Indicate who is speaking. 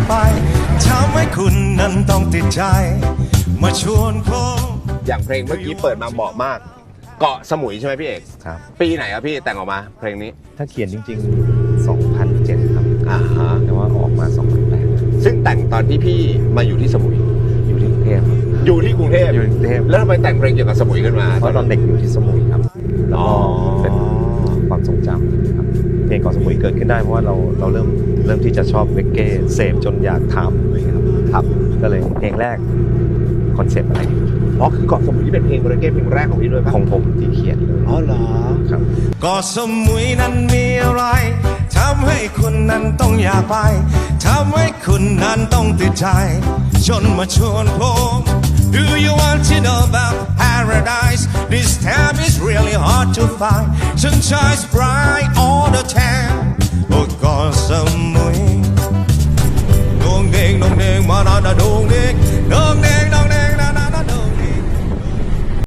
Speaker 1: ไปทำให้คุณนั้นต้องติดใจมาชวนพบ
Speaker 2: อย่างเพลงเมื่อกี้เปิดมาเหมาะมาก เกาะสมุยใช่ไหมพี่เอก
Speaker 3: ครับ
Speaker 2: ปีไหนครับพี่แต่งออกมาเพลงนี้
Speaker 3: ถ้าเขียนจริงๆ 2007 ครับ
Speaker 2: ฮะ
Speaker 3: แต่ว่าออกมา 2008
Speaker 2: ซึ่งแต่งตอนที่พี่มาอยู่ที่สมุย
Speaker 3: อยู่ที่กรุงเทพครับ
Speaker 2: อยู่ที่กรุงเทพ
Speaker 3: อยู่ที่กรุงเทพ
Speaker 2: แล้วทำไมแต่งเพลงเกี่ยวกับสมุยขึ้นมา
Speaker 3: เพราะตอนเด็กอยู่ที่สมุยครับ แล้ว
Speaker 2: อ๋อ
Speaker 3: ก็เป็นความทรงจำครับเพลงเกาะสมุยเกิดขึ้นได้เพราะว่าเราเริ่มที่จะชอบเรกเก้เสพจนอยากทำเลยครับ
Speaker 2: ครับ
Speaker 3: ก็เลยเพลงแรกคอนเซปต์อะไร
Speaker 2: อ๋อคือเกาะสมุยที่เป็นเพลงเรเก้เพลงแรกของพี่ด้วยป่ะ
Speaker 3: ของผมที่เขียนเลย
Speaker 2: อ๋อเหรอ
Speaker 3: ครับ
Speaker 1: ก็สมุยนั้นมีอะไรทำให้คุณนั้นต้องอยากไปทำให้คุณนั้นต้องติดใจจนมาชวนผม Do you want to know about paradise? This time is really hard to find. Sunshine's bright all the time. Oh, ก็สมุยดวงเด้งมานาดวงเด้ง